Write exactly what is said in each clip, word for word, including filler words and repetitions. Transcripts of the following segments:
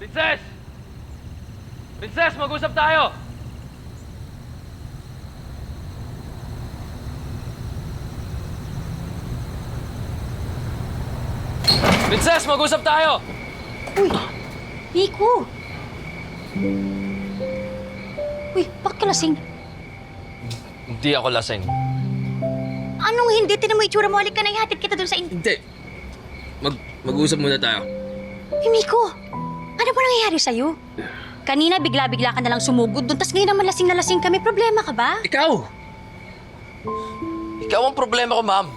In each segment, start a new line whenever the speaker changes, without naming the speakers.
Princess! Princess, mag-usap tayo! Princess, mag-usap tayo!
Uy! Nico! Uy, bakit ka lasing?
Hindi ako lasing.
Anong hindi? Tinan mo itsura mo. Halik ka na, ihatid kita dun sa in...
Hindi. Mag mag-usap muna tayo.
Uy, Nico! Ano ba nangyayari sa'yo? Kanina bigla-bigla ka na lang sumugod dun, tas ngayon naman lasing na lasing kami. Problema ka ba?
Ikaw! Ikaw ang problema ko, ma'am.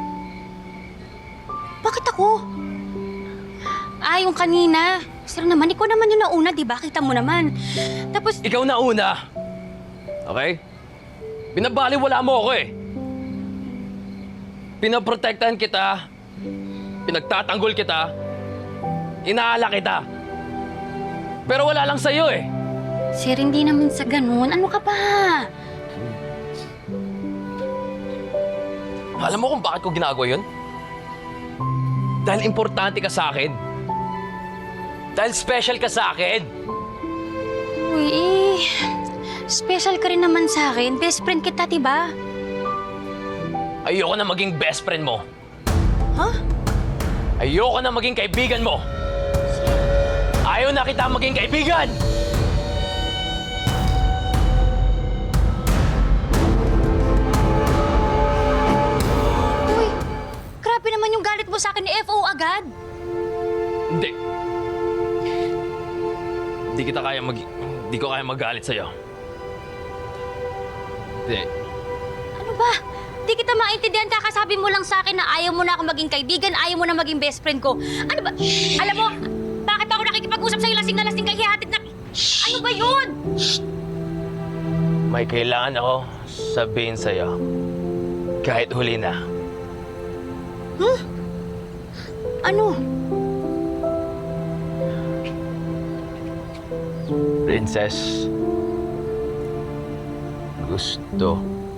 Bakit ako? Ah, yung kanina. Sir naman, ikaw naman yung nauna, di ba? Kita mo naman. Tapos...
Ikaw na una. Okay? Binabaliwala mo ako eh. Pinaprotektahan kita. Pinagtatanggol kita. Inaala kita. Pero wala lang sa'yo eh.
Sir, hindi naman sa ganun. Ano ka ba?
Alam mo kung bakit ko ginagawa yun? Dahil importante ka sa akin. Dahil special ka sa akin.
Uy, eh... Special ka rin naman sa akin. Best friend kita, diba?
Ayoko na maging best friend mo.
Huh?
Ayoko na maging kaibigan mo. Ayaw na kita maging kaibigan!
Uy, grabe naman yung galit mo sa akin ni F O agad.
Hindi. Hindi kita kaya mag... Hindi ko kaya magalit sa'yo. Hindi.
Ano ba? Di kita maintindihan, kakasabi mo lang sa akin na ayaw mo na ako maging kaibigan, ayaw mo na maging best friend ko. Ano ba? Alam mo, bakit ako nakikipag-usap sa'yo lasing na lasing kay hihatid na... Ano ba yun?
May kailangan ako sabihin sa'yo. Kahit huli na.
Huh? Ano?
Princess. Gusto.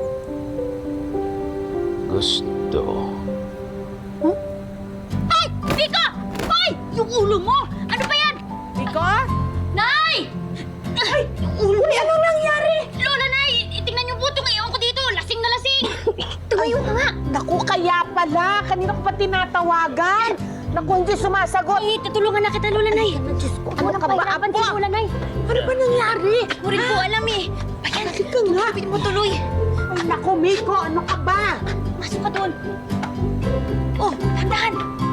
Gusto.
Huh? Ay! Nico! Hoy! Yung ulo mo! Ano ba yan?
Nico?
Nay! Ay! Yung ulo Uy, anong nangyari? Lola, Nay! Tingnan yung butong ngayon ko dito. Lasing na lasing. Tumayo ka nga.
Naku, kaya pala. Kanina ko pa tinatawagan. Naku, hindi sumasagot.
Ay, tutulungan na kita, Lola, Nay.
Diyos ko,
Ano
ano
ka
ka ba,
ba?
Apo?
Si Lola, Nay.
Ano ba nangyari?
Ako rin po alam eh. Ayan,
Halika nga.
kapit mo tuloy.
Ay, naku, Miko, ano ka ba?
Masok ka doon. Oh, dahan-dahan.